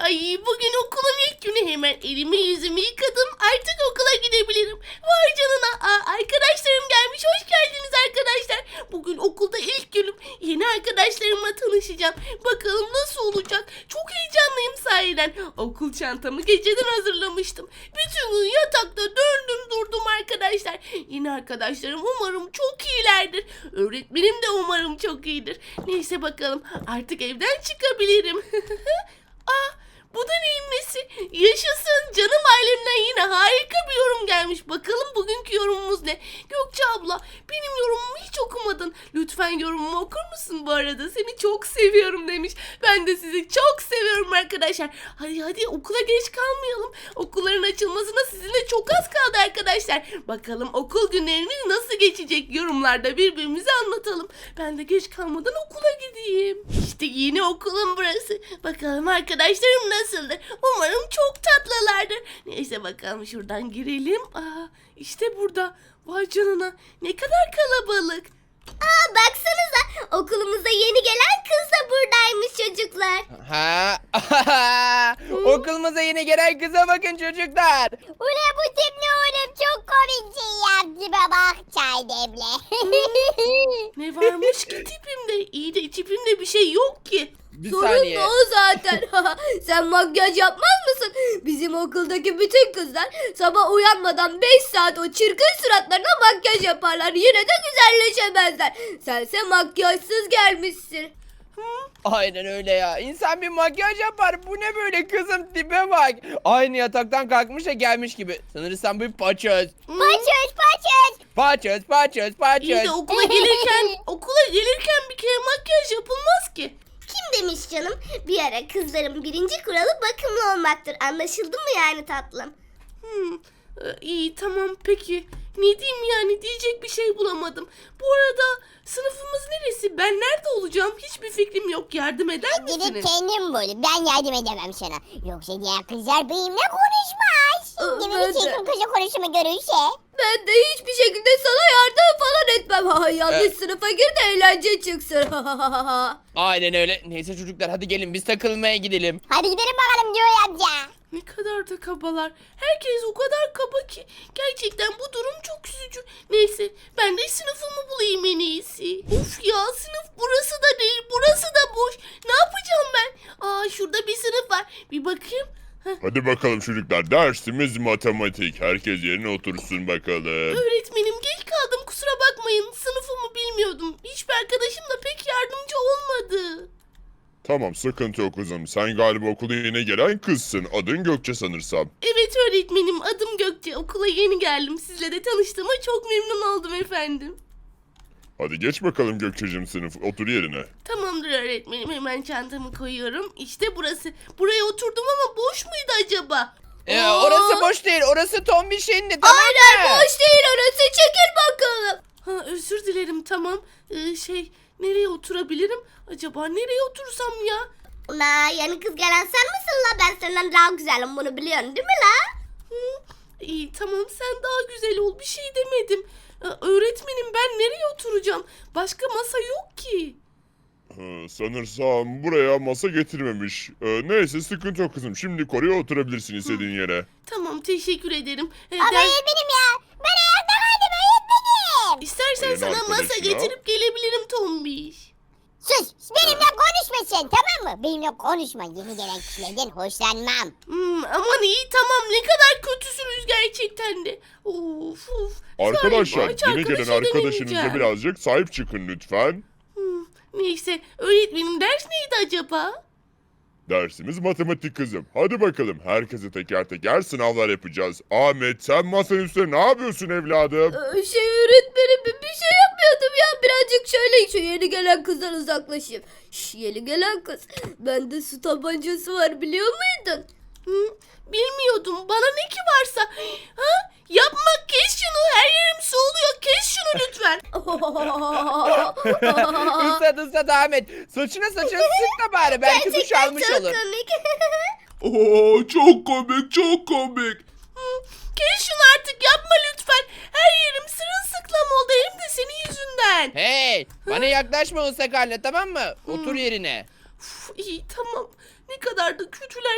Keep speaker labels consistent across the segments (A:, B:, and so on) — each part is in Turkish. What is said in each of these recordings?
A: Ay bugün okulun ilk günü, hemen elimi yüzümü yıkadım. Artık okula gidebilirim. Vay canına. Arkadaşlarım gelmiş. Hoş geldiniz arkadaşlar. Bugün okulda ilk günüm. Yeni arkadaşlarımla tanışacağım. Bakalım nasıl olacak. Çok heyecanlıyım sahiden. Okul çantamı geceden hazırlamıştım. Bütün gün yatakta döndüm durdum arkadaşlar. Yeni arkadaşlarım umarım çok iyilerdir. Öğretmenim de umarım çok iyidir. Neyse bakalım, artık evden çıkabilirim. Bu da neyin nesi? Yaşasın, canım ailemden yine harika bir yorum gelmiş. Bakalım bugünkü yorumumuz ne? Gökçe abla, benim yorumumu hiç okumadın. Lütfen yorumumu okur musun bu arada? Seni çok seviyorum demiş. Ben de sizi çok seviyorum arkadaşlar. Hadi okula geç kalmayalım. Okulların açılmasına sizinle çok az kaldı arkadaşlar. Bakalım okul günleriniz nasıl geçecek? Yorumlarda birbirimize anlatalım. Ben de geç kalmadan okula gideyim. İşte yeni okulum burası. Bakalım arkadaşlarım nasıldır? Umarım çok tatlılardır. Neyse bakalım, şuradan girelim. İşte burada. Vay canına, ne kadar kalabalık.
B: Baksanıza, okulumuza yeni gelen kız da buradaymış çocuklar.
C: Okulumuza yeni gelen kıza bakın çocuklar.
B: Ula bu tip ne oğlum, çok komik şey yaptı bak, çay demle.
A: Ne varmış ki tipimde? İyi de tipimde bir şey yok ki.
C: Bir
D: Sorun
C: saniye.
D: da o zaten. Sen makyaj yapmaz mısın? Bizim okuldaki bütün kızlar sabah uyanmadan 5 saat o çirkin suratlarına makyaj yaparlar. Yine de güzelleşemezler. Sense makyajsız gelmişsin.
C: Aynen öyle ya. İnsan bir makyaj yapar. Bu ne böyle, kızım tipe bak. Aynı yataktan kalkmış da gelmiş gibi. Sanırsam bir paçöz.
B: Paçöz.
A: İyi de okula gelirken bir kere makyaj yapılmaz ki.
B: Kim demiş canım? Bir ara kızların birinci kuralı bakımlı olmaktır. Anlaşıldı mı yani tatlım?
A: İyi tamam peki. Ne diyeyim yani, diyecek bir şey bulamadım. Bu arada sınıfımız neresi? Ben nerede olacağım? Hiçbir fikrim yok. Yardım eder
B: Gidip
A: misiniz?
B: kendin bul. Ben yardım edemem sana. Yoksa diğer kızlar benimle konuşmaz. Şimdi
D: Ben
B: bir
D: de.
B: çirkin kızla konuşumu görürse.
D: Ben de hiçbir şekilde sana yardım falan etmem. Yanlış sınıfa gir de eğlence çıksın.
C: Aynen öyle. Neyse çocuklar, hadi gelin biz takılmaya gidelim.
B: Hadi gidelim bakalım diyor amca.
A: Ne kadar da kabalar. Herkes o kadar kaba ki. Gerçekten bu durum çok üzücü. Neyse, ben de sınıfımı bulayım en iyisi. Of ya, sınıf burası da değil, burası da boş. Ne yapacağım ben? Şurada bir sınıf var. Bir bakayım.
E: Hadi bakalım çocuklar, dersimiz matematik. Herkes yerine otursun bakalım.
A: Öğretmenim, geç kaldım, kusura bakmayın. Sınıfımı bilmiyordum. Hiçbir arkadaşım da pek yardımcı olmadı.
E: Tamam, sıkıntı yok kızım. Sen galiba okula yeni gelen kızsın. Adın Gökçe sanırsam.
A: Evet öğretmenim, adım Gökçe. Okula yeni geldim. Sizle de tanıştığıma çok memnun oldum efendim.
E: Hadi geç bakalım Gökçe'cim sınıf. Otur yerine.
A: Tamamdır öğretmenim, hemen çantamı koyuyorum. İşte burası. Buraya oturdum ama boş muydu acaba?
C: Orası boş değil. Orası Tombiş'in de, tamam
D: Aynen,
C: mı?
D: boş değil orası. Çekil bakalım.
A: Özür dilerim, tamam. Nereye oturabilirim? Acaba nereye otursam ya?
B: Ula yani kız gelen sen misin la? Ben senden daha güzelim, bunu biliyorsun değil mi la?
A: İyi tamam, sen daha güzel ol, bir şey demedim. Öğretmenim, ben nereye oturacağım? Başka masa yok ki.
E: Sanırsam buraya masa getirmemiş. Neyse, sıkıntı yok kızım. Şimdi oraya oturabilirsin istediğin yere.
A: Tamam, teşekkür ederim.
B: Ama öğretmenim ya. Ben ayakta kaldım öğretmenim.
A: İstersen
E: Senin
A: sana masa
E: arkadaşına-
A: getirip gelebilirim Tombiş.
B: Sus, benimle konuşma sen, tamam mı? Benimle konuşma, yeni gelen kişilerden hoşlanmam.
A: Aman iyi tamam, ne kadar kötüsünüz gerçekten de. Of.
E: Arkadaşlar,
A: Galiba hiç
E: yeni gelen
A: arkadaşa
E: arkadaşınıza
A: denemeyeceğim.
E: birazcık sahip çıkın lütfen.
A: Neyse, öğretmenim ders neydi acaba?
E: Dersimiz matematik kızım. Hadi bakalım, herkese teker teker sınavlar yapacağız. Ahmet, sen masanın üstüne ne yapıyorsun evladım?
D: Öğretmenim, bir şey yapmıyordum ya. Birazcık şöyle şu yeni gelen kızdan uzaklaşayım. Yeni gelen kız. Bende su tabancası var, biliyor muydun?
A: Bilmiyordum. Bana ne ki varsa. Yapma, kes şunu. Her yerim su oluyor. Kes şunu lütfen.
C: Islat Ahmet. Saçına sık da bari. Belki duş almış
B: çok
C: olur.
B: komik.
E: Çok komik, çok komik.
A: Kes şunu artık, yapma lütfen. Her yerim sırılsıklam oldu, hem de senin yüzünden.
C: Hey, bana yaklaşma o sakarla, tamam mı? Otur yerine.
A: İyi tamam. Ne kadar da kötüler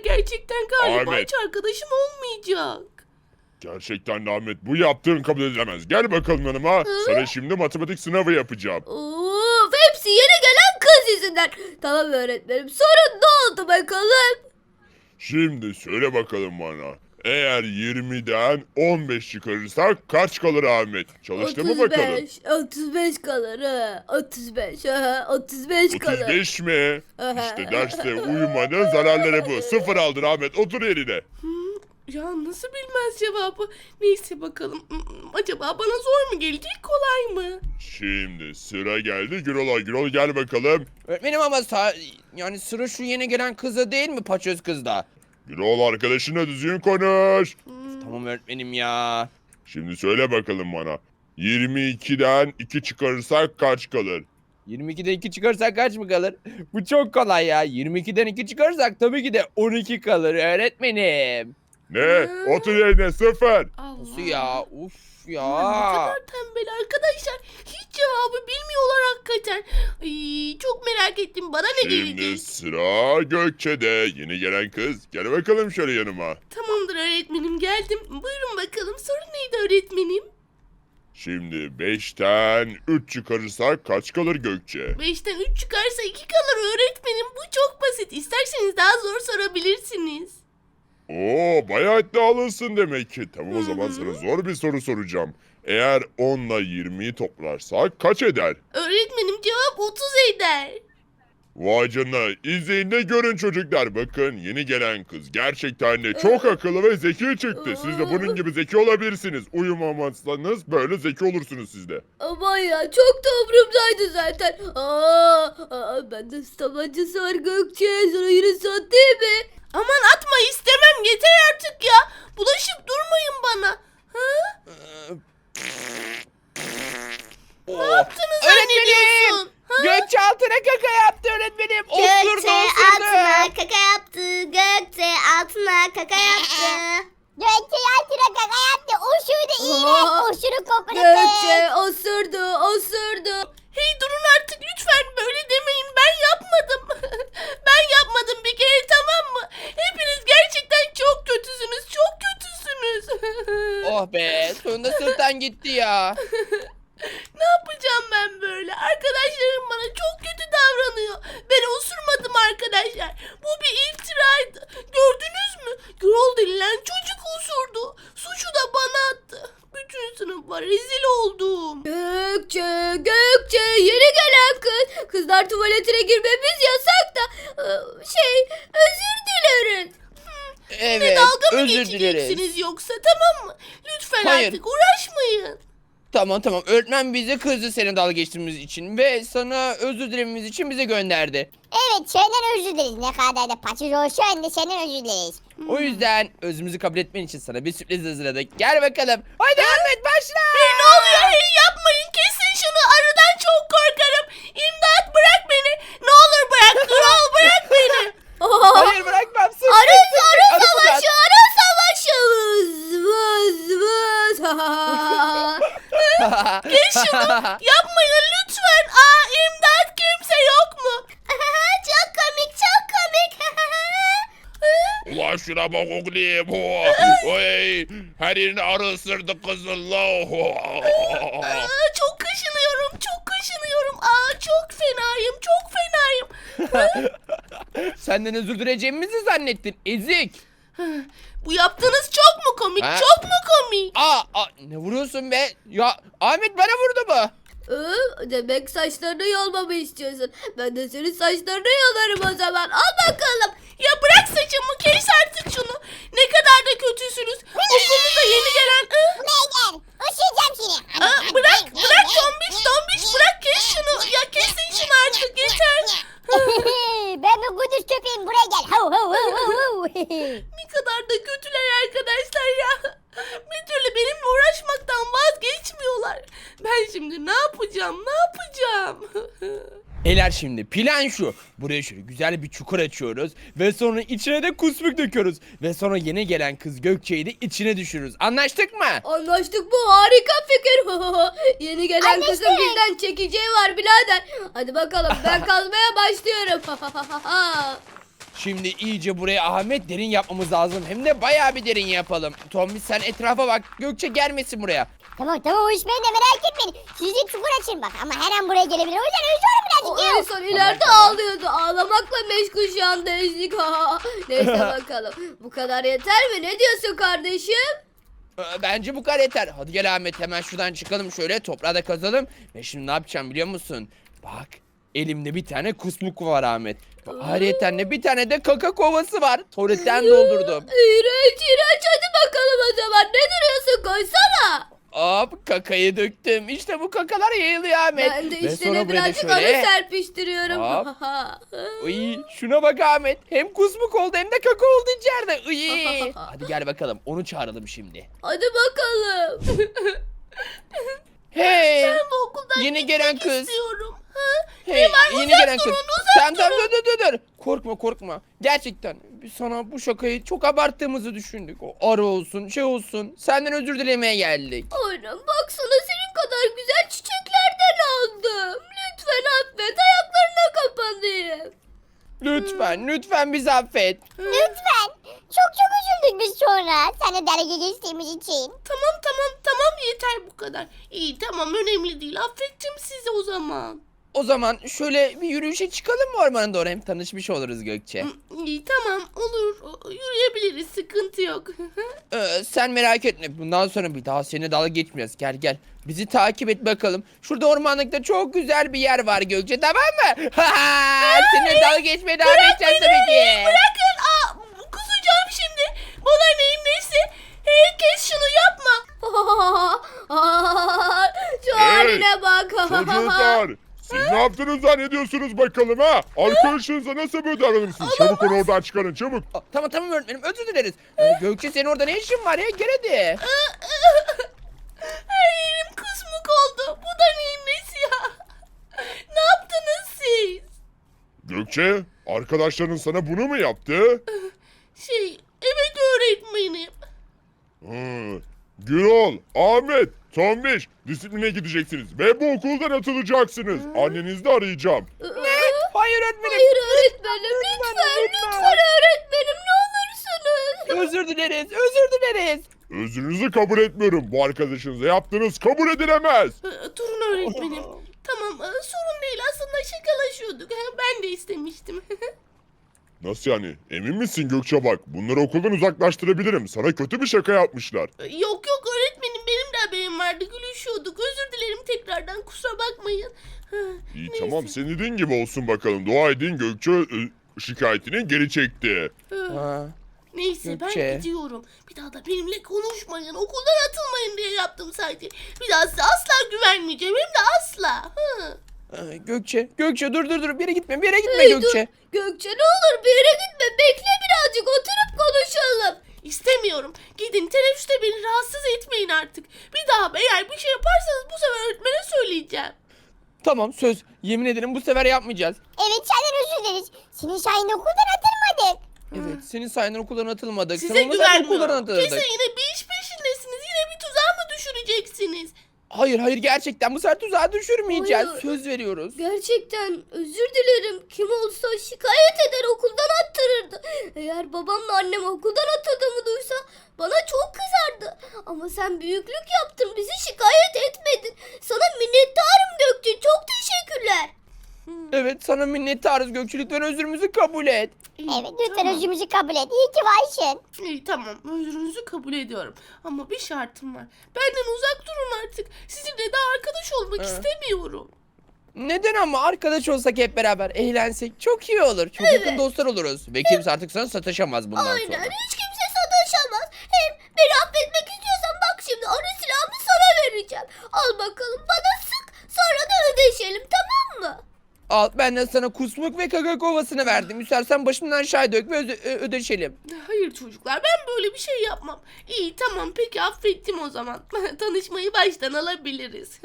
A: gerçekten galiba
E: Ahmet.
A: hiç arkadaşım olmayacak.
E: Gerçekten de Ahmet, bu yaptığın kabul edilemez. Gel bakalım yanıma. Sana şimdi matematik sınavı yapacağım.
D: Of, hepsi yeni gelen kız yüzünden. Tamam öğretmenim, sorun ne oldu bakalım?
E: Şimdi söyle bakalım bana. Eğer 20'den 15 çıkarırsak kaç kalır Ahmet? Çalıştı mı bakalım?
D: 35 kalır ha. 35 ha. 35 kalır.
E: 35 mi? İşte derste uyumanın zararları bu. 0 aldın Ahmet, otur yerine.
A: Ya nasıl bilmez cevabı? Neyse bakalım. Acaba bana zor mu gelecek, kolay mı?
E: Şimdi sıra geldi Gürol'a. Gürol gel bakalım.
C: Öğretmenim ama yani sıra şu yeni gelen kızda değil mi, paçöz kızda?
E: Gürol, arkadaşınla düzgün konuş.
C: Tamam öğretmenim ya.
E: Şimdi söyle bakalım bana. 22'den 2 çıkarırsak kaç kalır?
C: 22'den 2 çıkarsak kaç mı kalır? Bu çok kolay ya. 22'den 2 çıkarsak tabii ki de 12 kalır öğretmenim.
E: Ne? Otur yerine, 0.
A: Allah.
C: Nasıl ya? Uf
A: Ne
C: ya.
A: kadar tembel arkadaşlar. Hiç cevabı bilmiyorlar hakikaten. Ay, çok merak ettim. Bana ne
E: Şimdi
A: gelecek?
E: sıra Gökçe'de. Yeni gelen kız. Gel bakalım şöyle yanıma.
A: Tamamdır öğretmenim, geldim. Buyurun bakalım, sorun neydi öğretmenim?
E: Şimdi 5'ten 3 çıkarırsak kaç kalır Gökçe?
A: 5'ten 3 çıkarsa 2 kalır öğretmenim. Bu çok basit. İsterseniz daha zor sorabilirsiniz.
E: Oo, bayağı iddialısın demek ki. Tamam, o zaman sana zor bir soru soracağım. Eğer 10 ile 20'yi toplarsak kaç eder?
A: Öğretmenim, cevap 30 eder.
E: Vay canına, izleyin de görün çocuklar. Bakın, yeni gelen kız gerçekten de çok akıllı ve zeki çıktı. Siz de bunun gibi zeki olabilirsiniz. Uyumamazsanız böyle zeki olursunuz siz de.
D: Aman ya, çok da umurumdaydı zaten. Bende tabancası var Gökçe. Sana yine sattı mi?
A: Aman atma, istemem, yeter artık ya. Bulaşıp durmayın bana. Ha?
C: Ne
A: yaptığını zannediyorsun? Ha?
C: Gökçe altına kaka yaptı öğretmenim. Osurdu
B: Gökçe altına kaka yaptı. Gökçe altına kaka yaptı.
F: Gökçe altına kaka yaptı. Uçurdu iğrenç. Uçuru kokusu.
D: Gökçe osurdu.
A: Hey durun artık lütfen, böyle demeyin, ben yapmadım. Ben yapmadım bir kere, tamam mı? Hepiniz gerçekten çok kötüsünüz, çok kötüsünüz.
C: Oh be, sonunda sırttan gitti ya.
A: Ne yapacağım ben böyle? Arkadaşlarım bana çok kötü davranıyor. Ben osurmadım arkadaşlar. Bu bir iftiraydı. Gördünüz mü? Gürol denilen çocuk osurdu. Suçu da bana attı. Bütün sınıfa rezil oldum.
D: Gökçe yeni gelen kız. Kızlar tuvaletine girmemiz yasak da. Özür dileriz.
C: Evet,
A: Dalga mı
C: özür
A: geçeceksiniz
C: dileriz.
A: yoksa, tamam mı? Lütfen
C: Hayır.
A: artık uğraşmayın.
C: Tamam, öğretmen bize kızdı senin dalga geçtiğimiz için ve sana özür dilememiz için bize gönderdi.
F: Evet, senden özür dileriz. Ne kadar da paçoz olsa da senden özür dileriz.
C: O yüzden özümüzü kabul etmen için sana bir sürpriz hazırladık. Gel bakalım. Hadi Ahmet, başla.
A: Ne oluyor? Hey yapmayın, kesin şunu, arıdan çok korkarım. İmdat, bırak beni. Ne olur bırak, Gürol, bırak beni.
C: Hayır, bırakmam. Sık,
D: Arı
C: Arı
D: savaşı. Vız.
A: Geç şunu. Yapmayın lütfen. İmdat, kimse yok mu?
B: Çok komik, çok komik.
E: Ulan şuna bak oğlum. Oy, her yerini arı ısırdı kızın la.
A: Çok kaşınıyorum, çok kaşınıyorum. Çok fenayım, çok fenayım.
C: Senden özür dileyeceğimizi zannettin, ezik.
A: Bu yaptığınız çok mu komik,
C: Ha?
A: çok mu komik?
C: Ne vuruyorsun be? Ya Ahmet bana vurdu mu?
D: Demek saçlarını yolmamı istiyorsun. Ben de senin saçlarını yolarım o zaman. Al bakalım.
A: Ya bırak saçımı, kes artık şunu. Ne kadar da kötüsünüz. Okulumuza yeni gelen...
F: Buraya gel. Uçuracağım seni.
A: Bırak tombiş, bırak, kes şunu. Ya kesin şunu artık, yeter.
F: Ben bir kuduz köpeğim. Buraya gel. Hav hav hav hav.
A: Ne kadar da kötüler arkadaşlar ya. Bir türlü benimle uğraşmaktan vazgeçmiyorlar. Ben şimdi ne yapacağım?
C: Beyler, şimdi plan şu. Buraya şöyle güzel bir çukur açıyoruz. Ve sonra içine de kusmuk döküyoruz. Ve sonra yeni gelen kız Gökçe'yi de içine düşürürüz. Anlaştık mı?
D: Anlaştık, bu harika fikir. Yeni gelen kızın bizden çekeceği var birader. Hadi bakalım, ben kazmaya başlıyorum.
C: Şimdi iyice buraya Ahmet derin yapmamız lazım. Hem de bayağı bir derin yapalım. Tombiş sen etrafa bak. Gökçe gelmesin buraya.
F: Tamam o iş bende, merak etmeyin. Sizi çukur açın bak ama her an buraya gelebilir. O yüzden özlüyorum
D: O
F: birazcık
D: en
F: ya.
D: son ileride ağlıyordu. Ağlamakla meşgul şu anda Ezgi. Neyse bakalım. Bu kadar yeter mi? Ne diyorsun kardeşim?
C: Bence bu kadar yeter. Hadi gel Ahmet hemen şuradan çıkalım şöyle toprağı da kazalım. Ve şimdi ne yapacağım biliyor musun? Bak elimde bir tane kusmuk var Ahmet. Ayrıyeten de bir tane de kaka kovası var. Tuvaletten doldurdum.
D: İğrenç iğrenç, hadi bakalım o zaman. Ne duruyorsun, koysana.
C: Hop kakayı döktüm. İşte bu kakalar yayılıyor Ahmet.
D: Ben de
C: Ve
D: üstüne
C: sonra buraya da
D: birazcık anı
C: şöyle.
D: serpiştiriyorum.
C: Hop. Uy, şuna bak Ahmet. Hem kusmuk oldu hem de kaka oldu içeride. Uy. Hadi gel bakalım onu çağıralım şimdi.
D: Hadi bakalım.
C: Hey.
A: Ben bu okuldan
C: Yeni gelen
A: gitmek
C: kız.
A: istiyorum.
C: Hey, yeni gelen kız. Sen dur. Korkma. Gerçekten biz sana bu şakayı çok abarttığımızı düşündük. O arı olsun, şey olsun. Senden özür dilemeye geldik.
D: Aynen, baksana senin kadar güzel çiçeklerden aldım. Lütfen affet, ayaklarına kapanayım.
C: Lütfen bizi affet.
F: Lütfen. Çok üzüldük biz sonra. Sana dergi geçtiğimiz için.
A: Tamam yeter bu kadar. İyi tamam önemli değil affettim sizi o zaman.
C: O zaman şöyle bir yürüyüşe çıkalım mı ormana doğru? Hem tanışmış oluruz Gökçe.
A: İyi tamam olur yürüyebiliriz sıkıntı yok.
C: Sen merak etme. Bundan sonra bir daha seninle dalga geçmeyeceğiz. Gel. Bizi takip et bakalım. Şurada ormanlıkta çok güzel bir yer var Gökçe, tamam mı? Seninle dalga geçmeye devam edeceğiz tabii ki.
A: Bırakın kusacağım şimdi. Bana neyin nesi? Herkes şunu yapma.
D: Şu haline bak.
E: Çocuklar siz ne yaptınız zannediyorsunuz bakalım ha? Arkadaşınıza nasıl böyle davranırsınız? Çabuk onu oradan çıkarın çabuk.
C: Tamam öğretmenim özür dileriz. Gökçe senin orada ne işin var ya? Gel hadi.
A: Her yerim kusmuk oldu. Bu da neyin nesi ya? Ne yaptınız siz?
E: Gökçe arkadaşların sana bunu mu yaptı?
A: Evet öğretmenim.
E: Gürol, Ahmet, Tombiş disipline gideceksiniz ve bu okuldan atılacaksınız. Annenizi de arayacağım.
C: Hayır öğretmenim.
D: Hayır öğretmenim, lütfen öğretmenim, ne olursunuz.
C: Özür dileriz.
E: Özrünüzü kabul etmiyorum. Bu arkadaşınıza yaptığınız kabul edilemez.
A: Durun öğretmenim. Tamam sorun değil aslında şakalaşıyorduk. Ben de istemiştim.
E: Nasıl yani? Emin misin Gökçe bak? Bunları okuldan uzaklaştırabilirim. Sana kötü bir şaka yapmışlar.
A: Yok öğretmenim benim de haberim vardı gülüşüyorduk. Özür dilerim tekrardan kusura bakmayın.
E: İyi
A: Neyse.
E: tamam senin dediğin gibi olsun bakalım. Dua edin Gökçe şikayetini geri çekti.
A: Neyse
C: Gökçe.
A: ben gidiyorum. Bir daha da benimle konuşmayın. Okuldan atılmayın diye yaptım sadece. Bir daha size asla güvenmeyeceğim. Hem de asla.
C: Gökçe dur. Bir yere gitme
D: Hey,
C: Gökçe.
D: Gökçe ne olur bir yere gitme, bekle birazcık, oturup konuşalım.
A: İstemiyorum. Gidin teneffüste beni rahatsız etmeyin artık. Bir daha eğer bir şey yaparsanız bu sefer öğretmene söyleyeceğim.
C: Tamam söz. Yemin ederim bu sefer yapmayacağız.
F: Evet senden özür dileriz. Senin sayende okuldan atılmadık.
C: Evet senin sayenden okuldan atılmadık.
A: Size
C: Sen olmasaydın okuldan
A: güvenmiyorum.
C: atılırdık.
A: Kesin yine bir iş peşindesiniz. Yine bir tuzağa mı düşüreceksiniz?
C: Hayır gerçekten bu sefer tuzağa düşürmeyeceğiz.
D: Hayır.
C: Söz veriyoruz.
D: Gerçekten özür dilerim. Kim olsa şikayet eder, okuldan attırırdı. Eğer babamla annem okuldan atıldığımı duysa bana çok kızardı. Ama sen büyüklük yaptın, bizi şikayet etmedin. Sana minnettarım Gökçe, çok teşekkürler.
C: Evet sana minnettarız Gökçe, lütfen özrümüzü kabul et.
F: Evet lütfen özrümüzü kabul et. İyi ki varsın.
A: İyi tamam özrünüzü kabul ediyorum. Ama bir şartım var. Benden uzak durun artık. Sizinle daha arkadaş olmak istemiyorum.
C: Neden ama arkadaş olsak hep beraber eğlensek çok iyi olur. Çok yakın dostlar oluruz. Ve kimse artık sana sataşamaz bundan
D: Aynen,
C: sonra.
D: hiç kimse sataşamaz. Hem beni affetmek istiyorsan bak şimdi arı silahımı sana vereceğim. Al bakalım, bana sık, sonra da ödeşelim, tamam mı?
C: Al ben de sana kusmuk ve kaka kovasını verdim. İstersen başımdan aşağı dök ve ödeşelim.
A: Hayır çocuklar ben böyle bir şey yapmam. İyi tamam peki affettim o zaman. Tanışmayı baştan alabiliriz.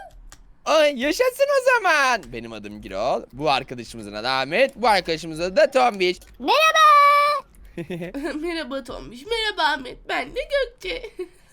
C: Ay yaşasın o zaman. Benim adım Girol. Bu arkadaşımızın adı Ahmet. Bu arkadaşımızın adı da Tombiş.
F: Merhaba.
A: Merhaba Tombiş, merhaba Ahmet. Ben de Gökçe.